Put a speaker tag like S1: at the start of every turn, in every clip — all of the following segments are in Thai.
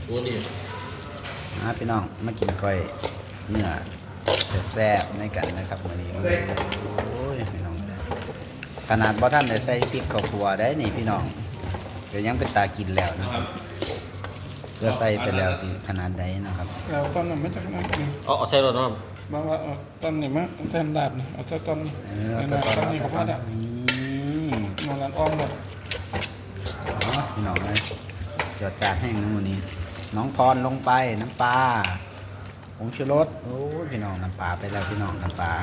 S1: โอ้นี่
S2: พี่น้องมากินก้อยเนื้อแซ่บๆในกันนะครับวันนี้โอ้ยพี่น้องขนาดบ่ท่านได้ใส่พริกข้าวคั่วได้นี่พี่น้องเดี๋ยวยังเป็นตากินแล้วนะครับเพื่อใส่ไปแล้วสิขนาดใดนะครับ
S3: เราตอนนั้นไม่จากนั้นเอง
S1: เอาใส่รถนะครับ
S3: บอกว่าตอนนี้มั้งแทนดาบนี่เอาเจ้าตอนนี้ ตอนนี้เขาพลาดอ่ะนอนร้านอ้อมหมด
S2: พี่น้องเลยจอดจานแห้งนู่นนี่น้องพรลงไปน้ำปลาผงชูรสโอ้ยพี่น้องน้ำปลาไปแล้วพี่น้องน้ำปลา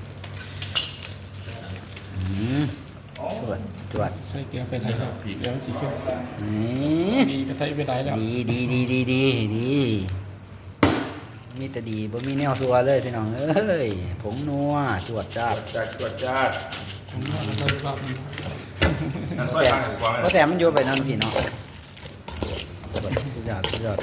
S2: จวดจวด
S3: ใส่เกลือไปไหนแล้วเดี๋ยวสีเขียว
S2: นี่
S3: ดีก็ใส่ไปไหนแล้ว
S2: ดีมีแต่ดีบ่มีแนวซัวเลยพี่น้องเอ้ยผงนัวจวดจ้า
S4: จวดจ้า
S3: ผมว่าเรารอบนี้
S4: นั่น
S2: แส
S4: ใส่
S2: บ
S4: ข้างหูฟัง
S2: เพราะแสบมันอยู่ไปนั่นพี่เนาะสุดยอด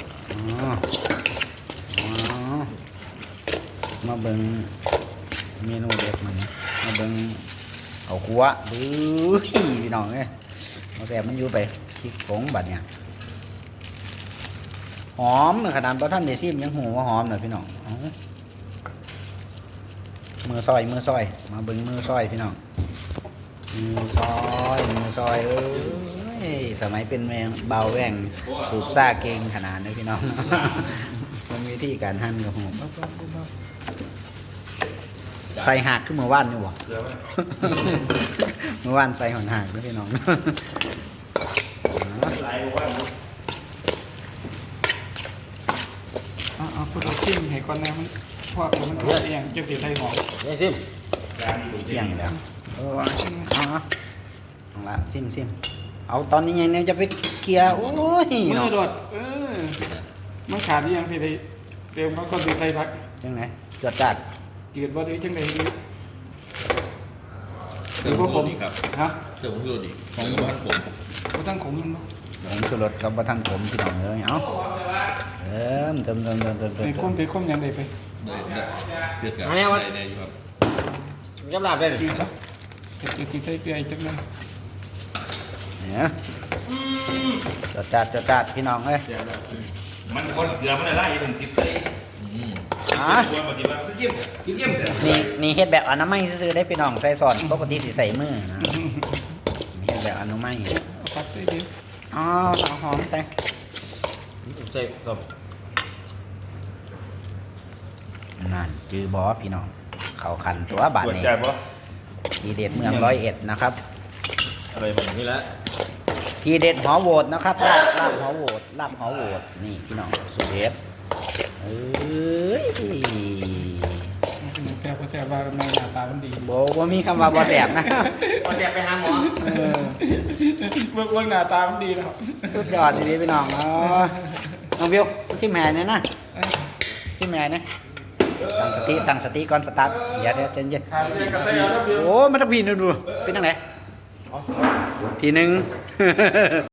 S2: มาเบิ่งเมนูเด็ดมันมาเบิ่งเอาคั่วบื้อพี่น้องเอ้ยเพราะแสบมันอยู่ไปพริกผงบัดเนี่ยหอมขนาดบ่ท่านได้ซิมยังหูว่าหอมเลยพี่น้องมือซอยมาเบิ่งมือซอยพี่น้องมือซอยเอ้ยสมัยเป็นแมงเบาแหว่งสูบซ่าเก่งขนาดนี้พี่น้อง มันมีวิธีการหั่นกับผมใส่หักขึ้นเมื่อวานนี่บ่ เมื่อวานใส่หอนหักด้วยพี่น้อง
S3: เอาพุทธชิมให้ก่อนนะมันพวกมันตัวเองจะติดไทยหอม
S1: นี่ซิม
S2: เสี่ยงแล้วเอาละซิมเอาตอนนี้ยังเนี่ยจะไปเคลียร์โอ้ย
S3: มื
S2: เนาะ
S3: อโดดมันขาดยังที่ไทยเตรียมเขาก็ติดไทยพัก
S2: จังไหนจวดจัด
S3: จืดว่าดีจังเลยดี
S1: เครื่องผมนี่ครับ
S3: ฮะ
S1: เครื่องผมดูดิของบ้านผม
S3: ก็ตั้งขมมัน
S2: ผมชูรสกับว่าท่านผมพี่น้องเลยเอาเติม
S3: ไปค้มยังไงไป
S1: เดือดกับในครับยับลาบได้เลย
S3: จืดแล้วจะติดไทยเกลือจังเลย
S2: เนี่ยจวดจัดพี่น้องเลย
S4: มันคนเกลือมันอะไรถึงสิบใส่ควรปฏิบัติเยี่ยม
S2: นี่เฮ็ดแบบอนามัยซื้อได้พี่น้องใส่ซอนปกติสิใส่มือนะเฮ็ดแบบอนามัย
S3: เอาปัดได้ดี
S2: อ๋อหอมใส่
S1: ใส่กับ
S2: นั่นจือบอพี่น้องเขาคันตัวบาท
S4: จวด
S2: นี้
S4: จ้าปะ
S2: ทีเด็ดเมือง101นะครับ
S1: อะไรแบบนี้แล้ว
S2: ทีเด็ดหอโหวตนะครับลาบหอโหวตนี่พี่น้องสุดเด็ดเอ้ย
S3: แต่ว่าในหน้าตามันดี
S2: บ่มีคำว่าบ่แสบนะ
S1: พอจะไปหาหมอ
S3: เบื้องหน้าตามันดีแล้ว
S2: สุดยอดดีพี่น้องน้องวิวซิมแหนเนี่ยนะซิมแหนเนี่ยตั้งสติก่อนสตาร์ทอย่าเดี๋ยวใจเย็น
S3: ขาดเรียนกับไทยแล้ว
S2: โอ้มันต้องพีนดูเป็นยังไงทีหนึ่ง